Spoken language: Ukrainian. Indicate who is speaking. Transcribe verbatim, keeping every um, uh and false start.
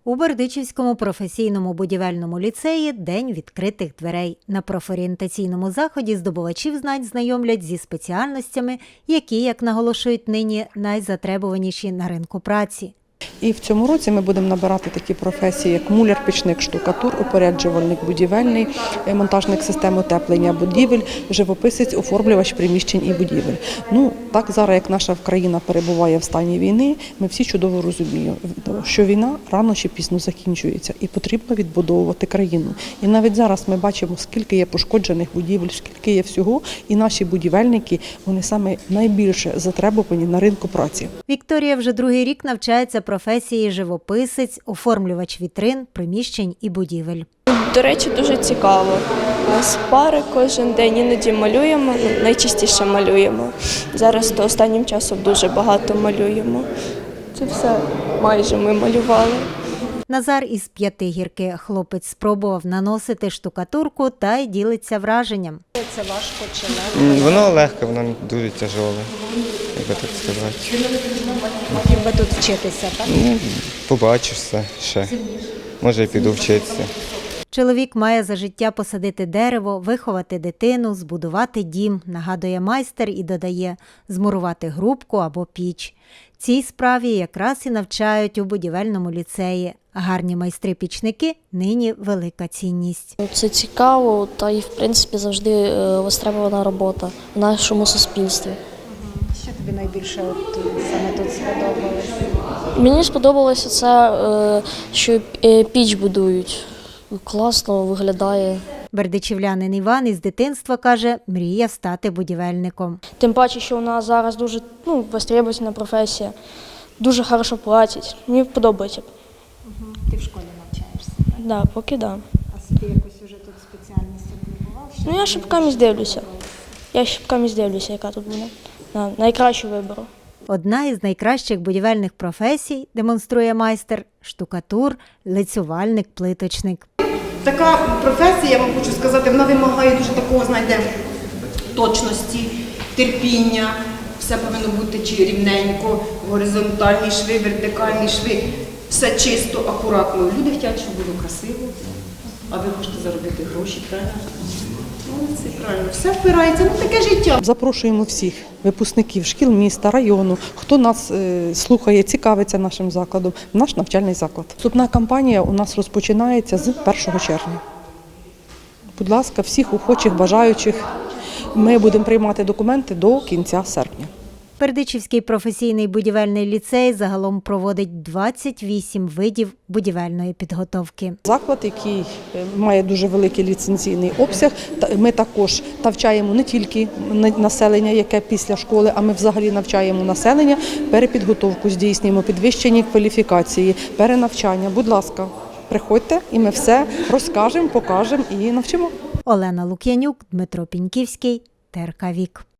Speaker 1: У Бердичівському професійному будівельному ліцеї День відкритих дверей. На профорієнтаційному заході здобувачів знань знайомлять зі спеціальностями, які, як наголошують нині, найзатребуваніші на ринку праці.
Speaker 2: І в цьому році ми будемо набирати такі професії, як муляр, пічник, штукатур, упоряджувальник будівельний, монтажник систем утеплення будівель, живописець, оформлювач приміщень і будівель. Ну, так зараз, як наша країна перебуває в стані війни, ми всі чудово розуміємо, що війна рано чи пізно закінчується і потрібно відбудовувати країну. І навіть зараз ми бачимо, скільки є пошкоджених будівель, скільки є всього, і наші будівельники, вони саме найбільше затребувані на ринку праці.
Speaker 1: Вікторія вже другий рік навчається професії живописець, оформлювач вітрин, приміщень і будівель.
Speaker 3: До речі, дуже цікаво. У нас пари кожен день, іноді малюємо, найчастіше малюємо. Зараз то останнім часом дуже багато малюємо. Це все майже ми малювали.
Speaker 1: Назар із П'ятигірки. Хлопець спробував наносити штукатурку та й ділиться враженням. Це важко чи легко?
Speaker 4: Воно легке, воно не дуже тяжеле, як би так сказати.
Speaker 1: Хотів би тут вчитися, так?
Speaker 4: Ну, побачишся ще. Може, і піду вчитися.
Speaker 1: Чоловік має за життя посадити дерево, виховати дитину, збудувати дім, нагадує майстер і додає, змурувати грубку або піч. Цій справі якраз і навчають у будівельному ліцеї. Гарні майстри-пічники – нині велика цінність.
Speaker 5: Це цікаво та і, в принципі, завжди востребована робота в нашому суспільстві.
Speaker 1: Що тобі найбільше от, саме тут сподобалось?
Speaker 5: Мені сподобалося це, що піч будують. Класно виглядає.
Speaker 1: Бердичівлянин Іван із дитинства, каже, мріяв стати будівельником.
Speaker 5: Тим паче, що у нас зараз дуже ну, востребована професія, дуже хорошо платять. Мені подобається.
Speaker 1: Угу. Ти в школі навчаєшся?
Speaker 5: Так, да, поки так. Да.
Speaker 1: А собі якось уже тут спеціальність облюбував?
Speaker 5: Ну, я шибками дивлюся. Я шибками дивлюся, яка тут буде. На найкращу вибору.
Speaker 1: Одна із найкращих будівельних професій, демонструє майстер, штукатур, лицювальник, плиточник.
Speaker 6: Така професія, я вам хочу сказати, вона вимагає дуже такого, знаєте, точності, терпіння. Все повинно бути чи рівненько, горизонтальні шви, вертикальні шви. Все чисто, акуратно. Люди хочуть, щоб було красиво, а ви хочете заробити гроші, правильно? Ну, це правильно. Все впирається, ну таке життя.
Speaker 2: Запрошуємо всіх випускників шкіл міста, району, хто нас е, слухає, цікавиться нашим закладом, в наш навчальний заклад. Вступна кампанія у нас розпочинається з першого червня. Будь ласка, всіх охочих, бажаючих. Ми будемо приймати документи до кінця серпня.
Speaker 1: Бердичівський професійний будівельний ліцей загалом проводить двадцять вісім видів будівельної підготовки.
Speaker 2: Заклад, який має дуже великий ліцензійний обсяг, ми також навчаємо не тільки населення, яке після школи, а ми взагалі навчаємо населення, перепідготовку здійснюємо, підвищення кваліфікації, перенавчання. Будь ласка, приходьте і ми все розкажемо, покажемо і навчимо.
Speaker 1: Олена Лук'янюк, Дмитро Піньківський, Т Р К Вік.